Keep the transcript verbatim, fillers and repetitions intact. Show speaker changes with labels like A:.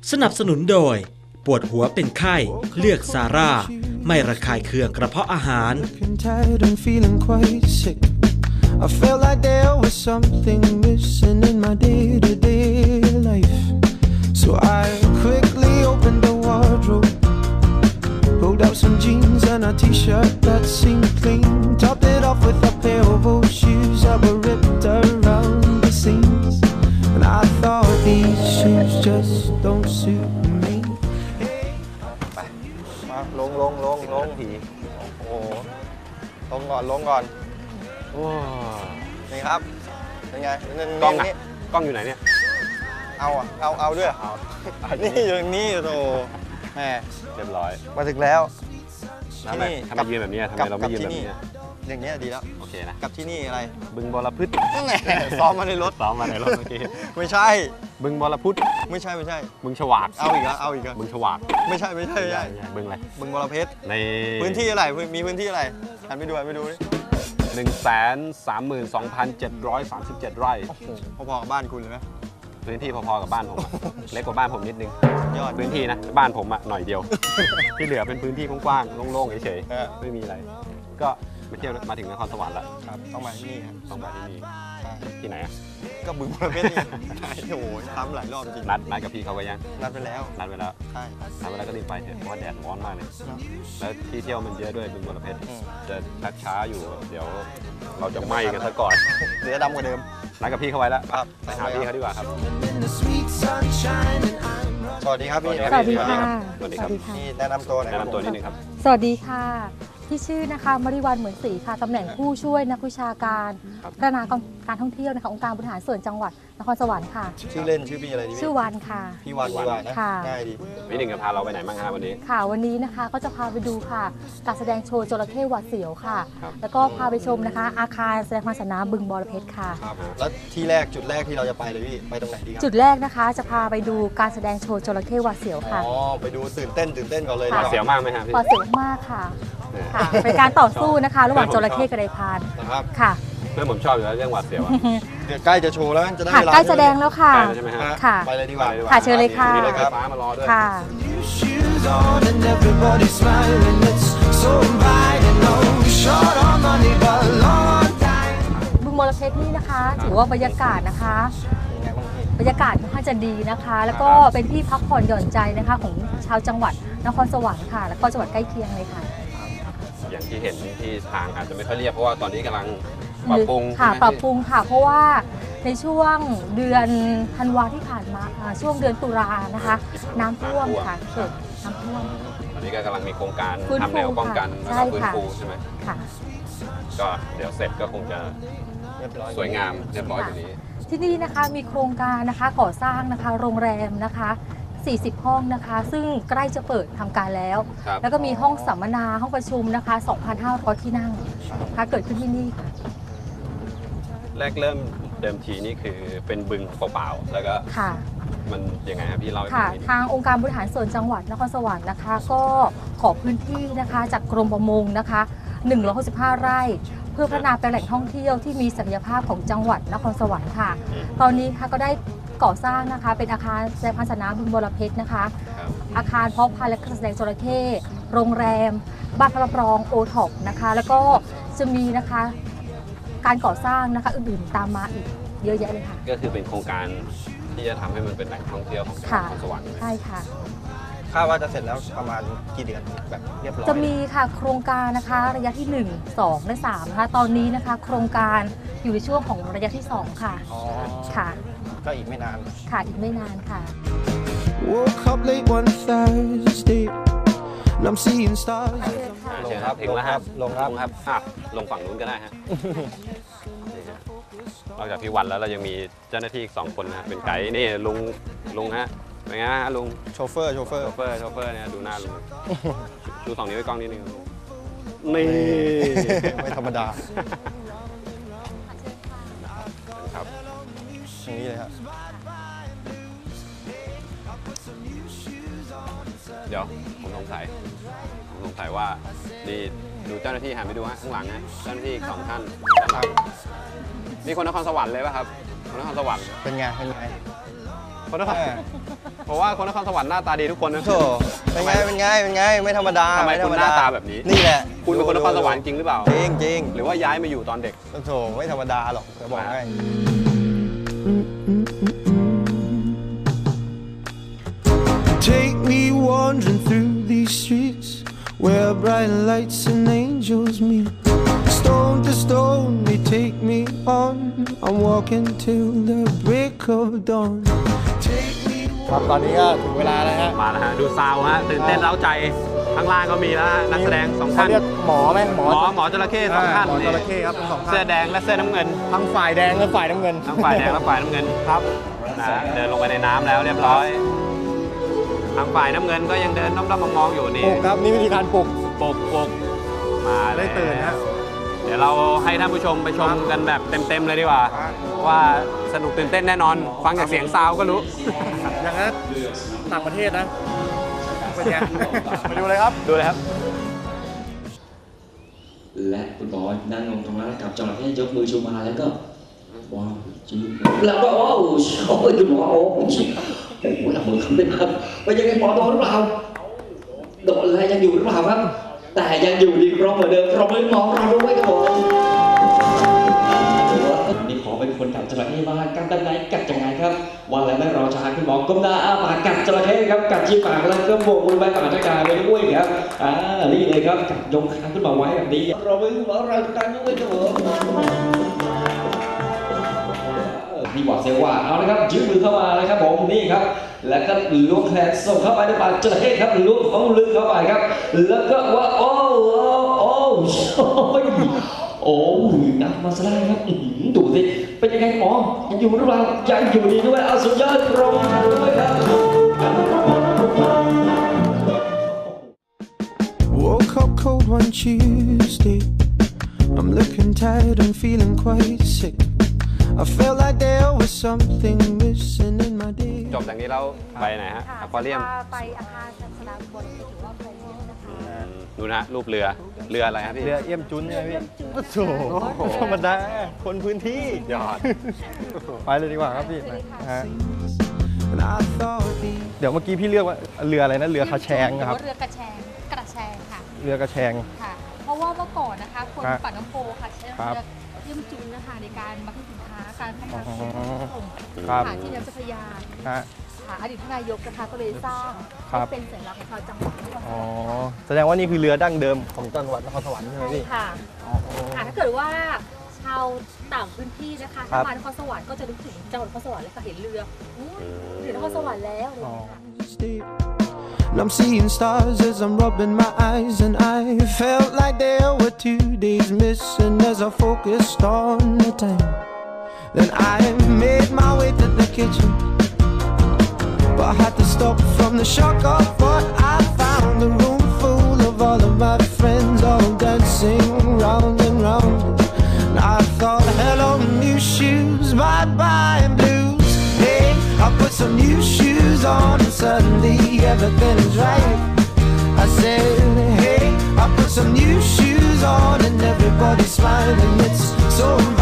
A: สนับสนุนโดยปวดหัวเป็นไข้เลือกซาร่าไม่ระคายเคืองกระเพาะอาหาร
B: I felt like there was something missing in my day-to-day life. So I quickly opened the wardrobe, pulled out some jeans and a t-shirt that seemed clean, topped it off with a pair of old shoes that were ripped around the seams. And I thought these shoes just don't suit me.
C: ไปมาลงลงลงลงผีโอ้โหลงก่อนลงก่อนว้าวนี่ครับเป็นไงกล้องนี่กล้องอยู่ไหนเนี่ยเอาอ่ะเอาเอาด้วยเอานี่อยู่ตรงนี้โธ่แม่เรียบร้อยมาถึงแล้วที่นี่ทำไมยืนแบบนี้ทำไมเราไม่ยืนแบบนี้อย่างนี้ดีแล้วโอเคนะกับที่นี่อะไรบึงบรพืชซ้อมมาในรถซ้อมมาในรถเมื่อกี้ไม่ใช่บึงบรพุธไม่ใช่ไม่ใช่บึงฉวากเอาอีกแล้วเอาอีกแล้วบึงฉวากไม่ใช่ไม่ใช่ไม่ใช่บึงอะไรบึงบรเพชรในพื้นที่อะไรมีพื้นที่อะไรหันไปดูหันไปดูดิหนึ่งแสนสามหมื่นสองพันเจ็ดร้อยสามสิบเจ็ดไร่พอๆกับบ้านคุณเลยไหมพื้นที่พอๆกับบ้านผมเล็กกว่าบ้านผมนิดนึงยอดพื้นที่นะบ้านผมอะหน่อยเดียวที่เหลือเป็นพื้นที่กว้างๆโล่งๆเฉยๆไม่มีอะไรก็มาเที่ยวมาถึงนครสวรรค์แล้วครับต้องมาที่นี่ครับต้องมาที่นี่ที่ไหนอะก็บึงบรเพชรนี่ใช่โอ้โหซ้ำหลายรอบจริงนัดนัดกับพี่เขาไว้ยังนัดไปแล้วนัดไปแล้วใช่นัดไปแล้วก็รีบไปเถอะเพราะว่าแดดร้อนมากเลยแล้วที่เที่ยวมันเยอะด้วยบึงบรเพชรจะชักช้าอยู่เดี๋ยวเราจะไหม้กันซะก่อนเดี๋ยวดำกว่าเดิมนัดกับพี่เขาไว้แล้วไปหาพี่เขาดีกว่าครับสวัสดีครับพี่
D: สวัสดีค่ะ
C: สวัสดีครับนี่แนะนำตัวหน่อยแนะนำตัวนิดนึงครับ
D: สวัสดีค่ะที่ชื่อนะคะมริวันเหมือนศรีค่ะตำแหน่งผู้ช่วยนักวิชาการพัฒนาการท่องเที่ยวนะคะองค์การบริหารส่วนจังหวัดนครสวรรค์ค่ะ
C: ชื่อเล่นชื่อพี่อะไรดี
D: ชื่อวันค่ะ
C: พี่วันดีกว่านะง่ายดีพี่หนึ่งจะพาเราไปไหนบ้างครับวันนี้
D: ค่ะวันนี้นะคะก็จะพาไปดูค่ะการแสดงโชว์จระเข้หวาดเสียวค่ะแล้วก็พาไปชมนะคะอาคารแสดงความสามารถบึงบรเพชรค่ะ
C: ครับแล้วที่แรกจุดแรกที่เราจะไปเลยพี่ไปตรงไหนดีครับ
D: จุดแรกนะคะจะพาไปดูการแสดงโชว์จระเข้หวาดเสียวค่ะ
C: อ๋อไปดูตื่นเต้นตื่นเต้นก่อนเลยหวาดเสียวมากไหมครับพี่
D: หวาดเสียวมากค่ะค่ะเป็นการต่อสู้นะคะระหว่างจระเข้กับไดพานค่ะ
C: เพื่อนผมชอบอยู่แล้วเรื่องหวาดเสียวเดี๋ยวใกล้จะโชว์แล้วจะได้
D: ใกล้แสดงแล้วค่ะ
C: ใช่ไหมฮะ
D: ค่ะ
C: ไปเลยดีกว่า
D: ค่ะเชิญเลยค่ะ
C: มีรถไฟฟ้ามารอด้วย
D: ค่ะบึงบรเพชรนี่นะคะถือว่าบรรยากาศนะคะบรรยากาศค่อนข้างจะดีนะคะแล้วก็เป็นที่พักผ่อนหย่อนใจนะคะของชาวจังหวัดนครสวรรค์ค่ะแล้วก็จังหวัดใกล้เคียงเลยค่ะ
C: อย่างที่เห็นที่ทางอาจจะไม่ค่อยเรียบเพราะว่าตอนนี้กำลังปรับปรุง
D: ค่ะปรับปรุงค่ะเพราะว่าในช่วงเดือนธันวาที่ผ่านมาช่วงเดือนตุลานะคะน้ำท่วมค่ะเกิดน้ำท่วม
C: ตอนนี้ก็กำลังมีโครงการทำแนวป้องกันแล้วก็ฟื้นฟูใช่ไหม
D: ค่ะก็
C: เดี๋ยวเสร็จก็คงจะสวยงามเรียบร้อยอยู่นี้
D: ที่นี่นะคะมีโครงการนะคะก่อสร้างนะคะโรงแรมนะคะสี่สิบห้องนะคะซึ่งใกล้จะเปิดทำการแล้วแล้วก็มีห้องสัมมนาห้องประชุมนะคะ สองพันห้าร้อย ที่นั่งนะคะเกิดขึ้นที่นี่ค่ะ
C: แรกเริ่มเดิมทีนี่คือเป็นบึงเปล่าๆแล้วก็มันยังไงครับพี่เล่าให้ฟังนิดนึง
D: ทางองค์การบริหารส่วนจังหวัดนครสวรรค์นะคะก็ขอพื้นที่นะคะจากกรมประมงนะคะหนึ่งร้อยหกสิบห้าไร่เพื่อพัฒนาเป็นแหล่งท่องเที่ยวที่มีศักยภาพของจังหวัดนครสวรรค์ค่ะตอนนี้ค่ะก็ได้ก่อสร้างนะคะเป็นอาคารแสดงพันธนาบึงบรเพชรนะคะอาคารเพาะพันธุ์และการแสดงจระเข้โรงแรมบ้านพระรับรองโอท็อปนะคะแล้วก็จะมีนะคะการก่อสร้างนะคะอื่นๆตามมาอีกเยอะแยะเลยค่ะ
C: ก็คือเป็นโครงการที่จะทำให้มันเป็นแหล่งท่องเที่ยวของจังหวัดนครสวรรค์
D: ใช่ค่ะ
C: คาดว่าจะเสร็จแล้วประมาณกี่เดือนแบบเรียบร้อย
D: จะมีค่ะโครงการนะคะระยะที่หนึ่ง สองและสามนะคะตอนนี้นะคะโครงการอยู่ในช่วงของระยะที่สองค่ะ
C: อ๋อ
D: ค่ะ
C: ก็อีกไม่นาน
D: ค่ะอีกไม่นานค่ะ
B: Woke up late one Thursday and I'm seeing stars
C: ลงครับถึงแล้วครับลงครับครับลงฝั่งนู้นก็ได้ฮะนอกจากพี่วันแล้วเรายังมีเจ้าหน้าที่อีกสองคนนะเป็นไกด์นี่ลุงลุงฮะเป็นไงฮะลุงโชเฟอร์โชเฟอร์โชเฟอร์โชเฟอร์เนี่ยดูหน้าลุงชูสองนิ้วไว้กล้องนิดนึงนี่ไม่ธรรมดาครับอย่างนี้เลยครับเดี๋ยวผมสงสัยผมสงสัยว่าดีดูเจ้าหน้าที่หันไปดูฮะข้างหลังนะเจ้าหน้าที่สองท่านด้านหลังนี่คนนครสวรรค์เลยป่ะครับคนนครสวรรค์เป็นไงเป็นไง
E: คนนครผมว่าคนนครสวรรค์หน้าตาดีทุกคนนะ
C: โถเป็นไงเป็นไงเป็นไงไม่ธรรมดา
E: ทำไม
C: ธร
E: คุ
C: ร
E: ณ
C: ม
E: ห
C: ดา
E: น้าตาแบบนี้
C: นี่แหละ
E: คุณเป็นคนนครสวรรค์จริงหรือเปล่า
C: จริงจริง
E: หรือว่าย้ายมาอยู่ตอนเด็ก
C: โถไม่ธรรมดาหรอกจะบอกให้
B: Take me wandering through these streets where bright lights and angels meet. Stone to stone, they take me on. I'm walking till the break of dawn. Take me
C: ครับตอนนี้ก็ถึงเวลาแล้วฮะ
E: มาแล้วฮะดูซาวฮะตื่นเต้นเร้าใจข้างล่างก็มีแล้วฮะนักแสดงสองท่าน
C: เรียกหมอไหมหม
E: ห
C: อ
E: มอหมอจระเข้สองท่าน
C: หมอจระเข้ครับทั้งสองท่าน
E: เสื้อแดงและเสื้อน้ำเงิน
C: ทั้งฝ่ายแดงและฝ่ายน้ำเงิน
E: ทั้งฝ่ายแดงและฝ่ายน้ำเงิน
C: ครับ
E: นะฮะเดินลงไปในน้ำแล้วเรียบร้อยทางฝ่ายน้ำเงินก็ยังเดินด้อมๆมองๆอยู่นี่
C: ปลุกครับนี่วิธีการปลุก
E: ปลุกปลุกมา
C: ได้ตื่นฮะ
E: เดี๋ยวเราให้ท่านผู้ชมไปชมกันแบบเต็มๆเลยดีกว่า ว่าสนุกตื่นเต้นแน่นอน ฟังจากเสียงซาวก็รู้
C: อย่างนั้นต่างประเทศนะเป็นไงไปดูเลยครับ
E: ดูเลยครับ
F: และคุณบอยนั่งลงตรงนั้นกับจระเข้ยกมือชูมาแล้วก็ว้าวจืดแล้วก็ว้าวโอ้ยคุณหมอโอ้โหโอ้โหหลับมือคำได้ครับเป็นยังไงหมอโดนหรือเปล่าโดนอะไรยังอยู่หรือเปล่าครับแต่ยังอยู่ดีครบเหมือนเดิมเราไม่มองเราด้วยครับผมนี่ขอเป็นคนกัดจระเข้บ้างกัดด้านในกัดยังไงครับว่าแล้วไม่รอช้าคุณหมอก้มหน้าอ้าปากกัดจระเข้ครับกัดที่ปากแล้วก็โบกมือไปปากตะการไปด้วยครับอ่านี่เลยครับกัดยงคางขึ้นมาไว้แบบนี้เราไม่มองเรากันด้วยครับผมนี่หวาดเสียวว่าเอาละครับยืดมือเข้ามาเลยครับผมนี่ครับแล้วก็ล้วงแขนส่งเข้าไปในปากจระเข้ครับล้วงของลึกเข้าไปครับแล้วก็ว่าโอ้โอ้โอ้โอ้นักมาซะได้ครับดูสิเป็นยังไงหมอยังอยู่หรือเปล่ายังอยู่ดีด้วยเอาสุดยอดตรงด้วยครับ
B: woke up cold one Tuesday. I'm looking tired and feeling quite sick. I felt like there was something missing in my day.
E: จบจากนี้เราไปไหนฮะอควาเรียม
D: ไปอาคารสนามบอลหรือว่าโคเรียมนะคะ
E: ดูนะฮะรูปเรือเรืออะไรครับพี่
C: เรือเอี่ยมจุนใช่ไหมพี่โอ้โหธรรมดาคนพื้นที่
E: ยอด
C: ไปเลยดีกว่าครับพี่นะฮะ
B: And I thought the
C: เดี๋ยวเมื่อกี้พี่เรียกว่าเรืออะไรนะเรือคาแชง
D: หรือ
C: ครับ
D: ว่าเรือกระแชงกระแชงค่ะ
C: เรือกระแชง
D: ค่ะ เพราะว่าเมื่อก่อนนะคะคน
C: ครับ
D: ปั่นน้ำโพค่ะใช้
C: ครับ
D: เรือเยี่ยมจุนนะคะในการบรรทุกสินค้าการพัฒนา
C: อ๋อ
D: ส่ง
C: ครับ
D: ค่ะที่น้ำเจ้าพระยา
C: ฮะ
D: ค่ะอดีตท่านนายกนะคะก็เลยสร้าง
C: ครับ
D: ให้เป็นสัญลักษณ์ของชาวจังหวัดนครส
C: อ๋อ
D: วรรค์
C: แสดงว่านี่คือเรือดั้งเดิมของจังหวัดนครสวรรค์ใช่ไหมพี่
D: ค่ะค่ะถ้าเกิดว่าชาวต่างพื้นที่นะคะ
C: ครั
D: ถ้า
C: บ
D: มานครสวรรค์ก็จะนึกถึงจังหวัดนครสวรรค์เลยค่ะเห็นเรืออุ๊ยถึงนครสวรรค์แล้วอะไรอย่างเงี้ยค่ะ
B: state. And I'm seeing stars as I'm rubbing my eyes. And I felt like there were two days missing as I focused on the time. Then I made my way to the kitchen, but I had to stop from the shock of what I found. A room full of all of my friends all dancing round and round. And I thought, hello, new shoes, bye-bye and blues. Hey, I put some new shoes on and suddenly everything's right. I said, hey, I put some new shoes on and everybody's smiling. It's so